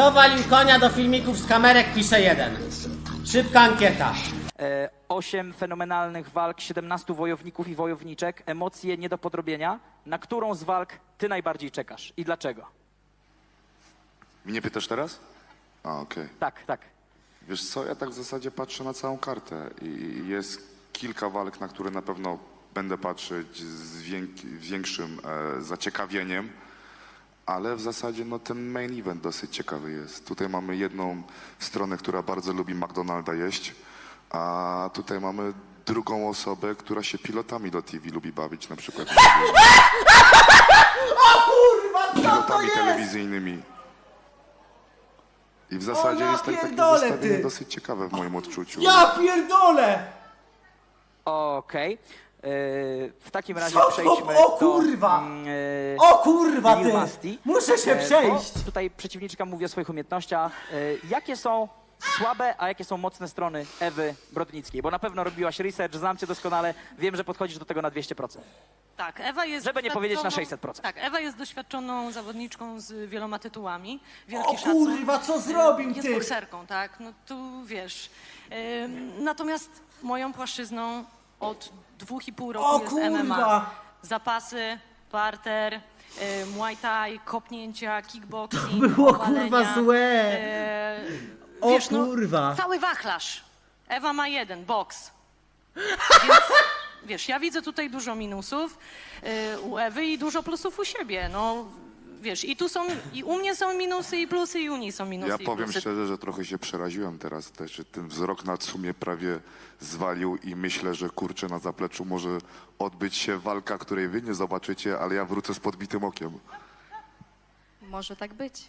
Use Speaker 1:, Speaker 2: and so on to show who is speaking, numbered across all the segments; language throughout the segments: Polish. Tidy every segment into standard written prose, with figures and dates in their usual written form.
Speaker 1: Kto walił konia do filmików z kamerek, pisze 1. Szybka ankieta.
Speaker 2: 8 fenomenalnych walk, 17 wojowników i wojowniczek, emocje nie do podrobienia. Na którą z walk ty najbardziej czekasz i dlaczego?
Speaker 3: Mnie pytasz teraz? A, okej.
Speaker 2: Tak, tak.
Speaker 3: Wiesz co, ja tak w zasadzie patrzę na całą kartę i jest kilka walk, na które na pewno będę patrzeć z większym zaciekawieniem, ale w zasadzie no, ten main event dosyć ciekawy jest. Tutaj mamy jedną stronę, która bardzo lubi McDonalda jeść, a tutaj mamy drugą osobę, która się pilotami do TV lubi bawić, na przykład
Speaker 1: O kurwa, co to
Speaker 3: pilotami
Speaker 1: jest?
Speaker 3: telewizyjnymi. I w zasadzie
Speaker 1: ja
Speaker 3: jest takie
Speaker 1: pierdolę,
Speaker 3: zestawienie
Speaker 1: ty.
Speaker 3: dosyć ciekawe w moim odczuciu.
Speaker 1: Ja pierdolę!
Speaker 2: Okej. W takim razie
Speaker 1: Co to?
Speaker 2: przejdźmy
Speaker 1: O kurwa! O kurwa,
Speaker 2: Lil
Speaker 1: ty!
Speaker 2: Masti.
Speaker 1: Muszę się przejść!
Speaker 2: Bo tutaj przeciwniczka mówi o swoich umiejętnościach. Jakie są słabe, a jakie są mocne strony Ewy Brodnickiej? Bo na pewno robiłaś research, znam cię doskonale, wiem, że podchodzisz do tego na 200%.
Speaker 4: Tak, Ewa jest
Speaker 2: Żeby nie powiedzieć na
Speaker 4: doświadczoną-
Speaker 2: 600%.
Speaker 4: Tak, Ewa jest doświadczoną zawodniczką z wieloma tytułami.
Speaker 1: O
Speaker 4: Wielki szacun.
Speaker 1: kurwa, co zrobił,
Speaker 4: Jest
Speaker 1: ty?
Speaker 4: bokserką, tak, no tu wiesz. Natomiast moją płaszczyzną od 2,5 roku
Speaker 1: O
Speaker 4: jest
Speaker 1: kurwa!
Speaker 4: MMA. Zapasy, parter, muay thai, kopnięcia, kickboxing,
Speaker 1: było,
Speaker 4: obalenia,
Speaker 1: kurwa, złe. O
Speaker 4: wiesz,
Speaker 1: kurwa.
Speaker 4: cały wachlarz. Ewa ma jeden, boks. Więc, wiesz, ja widzę tutaj dużo minusów u Ewy i dużo plusów u siebie. No, wiesz, i u mnie są minusy i plusy, i u niej są minusy
Speaker 3: Ja
Speaker 4: i
Speaker 3: powiem
Speaker 4: plusy.
Speaker 3: szczerze, że trochę się przeraziłem teraz też, że ten wzrok na sumie prawie zwalił i myślę, że kurczę na zapleczu może odbyć się walka, której wy nie zobaczycie, ale ja wrócę z podbitym okiem.
Speaker 5: Może tak być.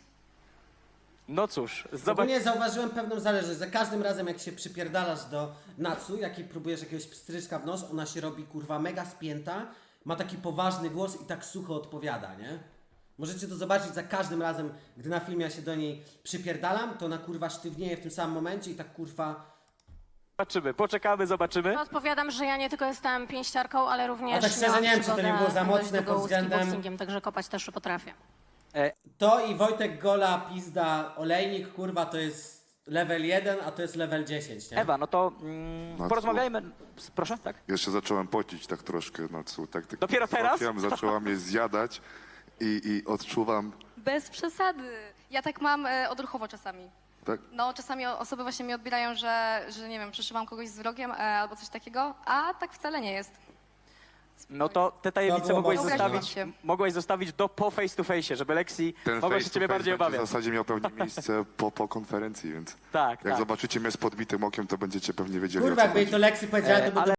Speaker 2: No cóż, zobacz.
Speaker 1: Ogólnie zauważyłem pewną zależność. Za każdym razem, jak się przypierdalasz do Natsu, jak jej próbujesz jakiegoś pstryczka w nos, ona się robi kurwa mega spięta, ma taki poważny głos i tak sucho odpowiada, nie? Możecie to zobaczyć za każdym razem, gdy na filmie ja się do niej przypierdalam, to ona kurwa sztywnieje w tym samym momencie i tak kurwa...
Speaker 2: Zobaczymy, poczekamy, zobaczymy.
Speaker 6: Odpowiadam, że ja nie tylko jestem pięściarką, ale również
Speaker 1: A tak szczerze
Speaker 6: miałam
Speaker 1: nie wiem, czy to nie
Speaker 6: przygodę
Speaker 1: było za mocne
Speaker 6: dość długą
Speaker 1: pod względem-
Speaker 6: z kickboxingiem, także kopać też potrafię.
Speaker 1: To i Wojtek Gola, pizda, olejnik, kurwa, to jest level 1, a to jest level 10, nie?
Speaker 2: Ewa, no to
Speaker 3: No,
Speaker 2: porozmawiajmy. Proszę, tak?
Speaker 3: Jeszcze zacząłem pocić tak troszkę na cu, tak
Speaker 2: Dopiero teraz?
Speaker 3: wzrokiem zaczęłam je zjadać i odczuwam,
Speaker 5: Bez przesady. Ja tak mam odruchowo czasami.
Speaker 3: tak?
Speaker 5: No, czasami osoby właśnie mi odbierają, że nie wiem, przeszywam kogoś z wrogiem albo coś takiego, a tak wcale nie jest.
Speaker 2: No to te
Speaker 1: To
Speaker 2: tajemnice
Speaker 1: było
Speaker 5: mocne.
Speaker 2: mogłaś zostawić do po face to face, żeby Lexi
Speaker 3: Ten
Speaker 2: mogła
Speaker 3: face
Speaker 2: się
Speaker 3: to
Speaker 2: ciebie
Speaker 3: face
Speaker 2: bardziej
Speaker 3: będzie
Speaker 2: obawiać.
Speaker 3: w zasadzie miał pewnie miejsce po konferencji, więc
Speaker 2: Tak,
Speaker 3: jak
Speaker 2: tak.
Speaker 3: zobaczycie mnie z podbitym okiem, to będziecie pewnie wiedzieli, o
Speaker 1: Kurwa,
Speaker 3: co
Speaker 1: jakby jej
Speaker 3: chodzi.
Speaker 1: to Lexi powiedziała, to by
Speaker 2: Ale